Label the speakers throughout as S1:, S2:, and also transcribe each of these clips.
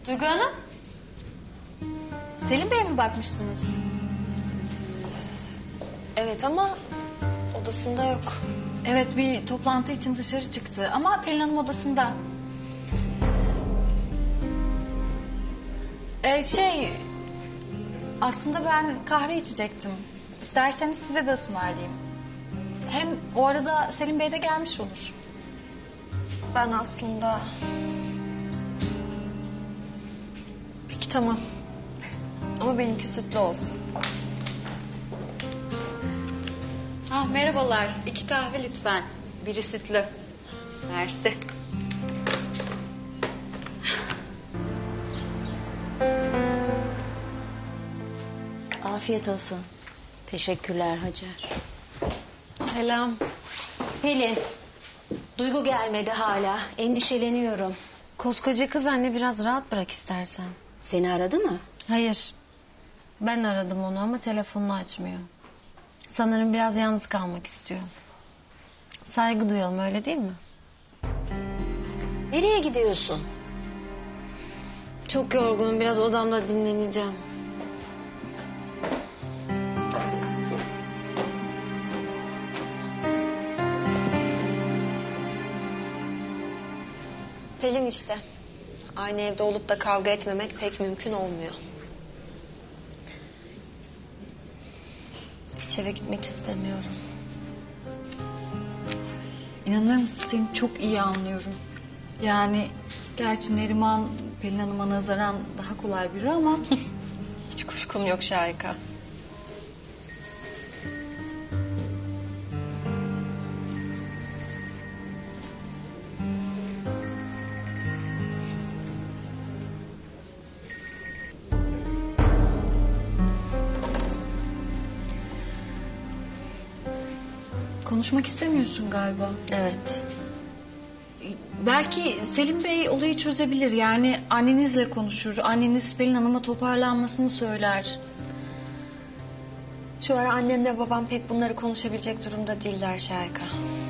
S1: Duygu Hanım. Selim Bey'e mi bakmıştınız?
S2: Evet ama odasında yok.
S1: Evet, bir toplantı için dışarı çıktı ama Pelin Hanım odasında. Aslında ben kahve içecektim. İsterseniz size de ısmarlayayım. Hem o arada Selim Bey de gelmiş olur.
S2: Ben aslında... Peki tamam. Ama benimki sütlü olsun.
S1: Merhabalar. 2 kahve lütfen. Biri sütlü. Mersi.
S3: Afiyet olsun. Teşekkürler Hacer.
S1: Selam.
S3: Pelin, Duygu gelmedi hala. Endişeleniyorum.
S2: Koskoca kız anne, biraz rahat bırak istersen.
S3: Seni aradı mı?
S2: Hayır. Ben aradım onu ama telefonunu açmıyor. Sanırım biraz yalnız kalmak istiyor. Saygı duyalım, öyle değil mi?
S3: Nereye gidiyorsun?
S2: Çok yorgunum, biraz odamda dinleneceğim. Pelin işte. Aynı evde olup da kavga etmemek pek mümkün olmuyor. Hiç eve gitmek istemiyorum.
S1: İnanır mısın, seni çok iyi anlıyorum. Yani gerçi Neriman Pelin Hanım'a nazaran daha kolay biri ama...
S2: Hiç kuşkum yok Şahika.
S1: Konuşmak istemiyorsun galiba.
S2: Evet.
S1: Belki Selim Bey olayı çözebilir. Yani annenizle konuşur. Anneniz Pelin Hanım'a toparlanmasını söyler.
S2: Şu ara annemle babam pek bunları konuşabilecek durumda değiller Şahika.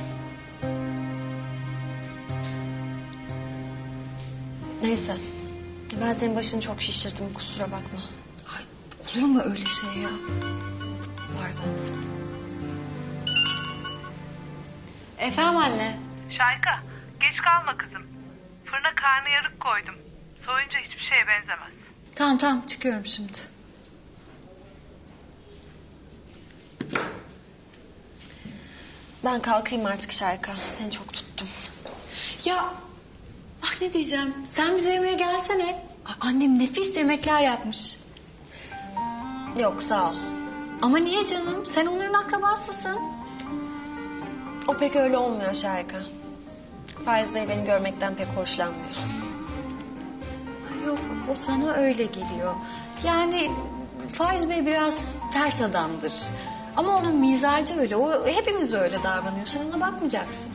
S2: Neyse. Ben senin başını çok şişirdim, kusura bakma.
S1: Ay, olur mu öyle şey ya? Pardon. Efendim anne.
S4: Şayka, geç kalma kızım. Fırına karnıyarık koydum. Soyunca hiçbir şeye benzemez.
S1: Tamam çıkıyorum şimdi.
S2: Ben kalkayım artık Şahika. Seni çok tuttum.
S1: Ya ne diyeceğim? Sen bize yemeğe gelsene. Annem nefis yemekler yapmış.
S2: Yok, sağ ol.
S1: Ama niye canım? Sen onların akrabasısın.
S2: O pek öyle olmuyor Şahika. Faiz Bey beni görmekten pek hoşlanmıyor.
S1: Yok, o sana öyle geliyor. Yani Faiz Bey biraz ters adamdır. Ama onun mizacı öyle. O hepimiz öyle davranıyor. Sen ona bakmayacaksın.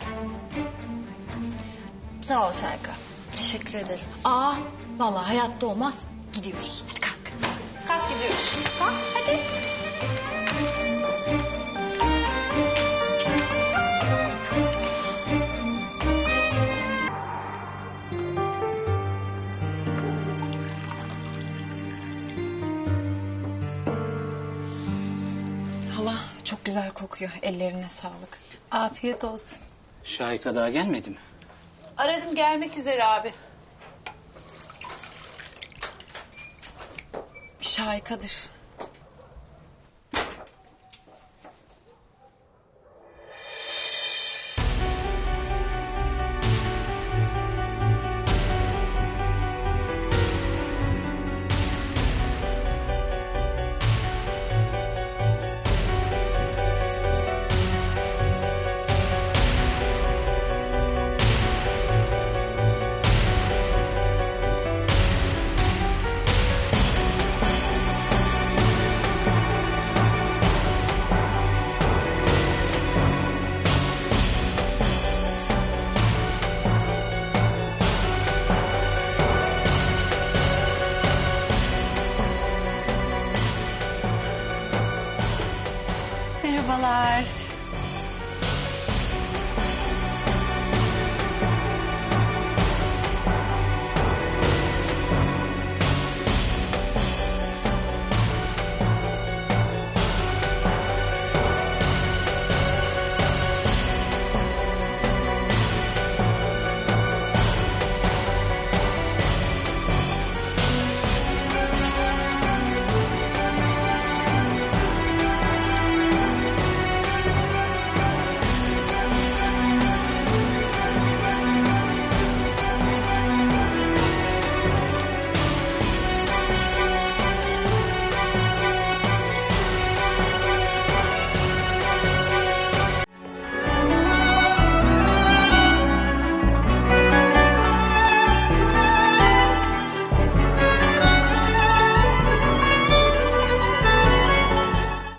S2: Sağ ol Şahika. Teşekkür ederim.
S1: Vallahi hayatta olmaz. Gidiyoruz. Hadi kalk. Kalk gidiyoruz. Kalk hadi. Hala çok güzel kokuyor. Ellerine sağlık.
S5: Afiyet olsun.
S6: Şahika daha gelmedi mi?
S5: Aradım, gelmek üzere abi.
S1: Bir şahikadır.
S2: Merhabalar.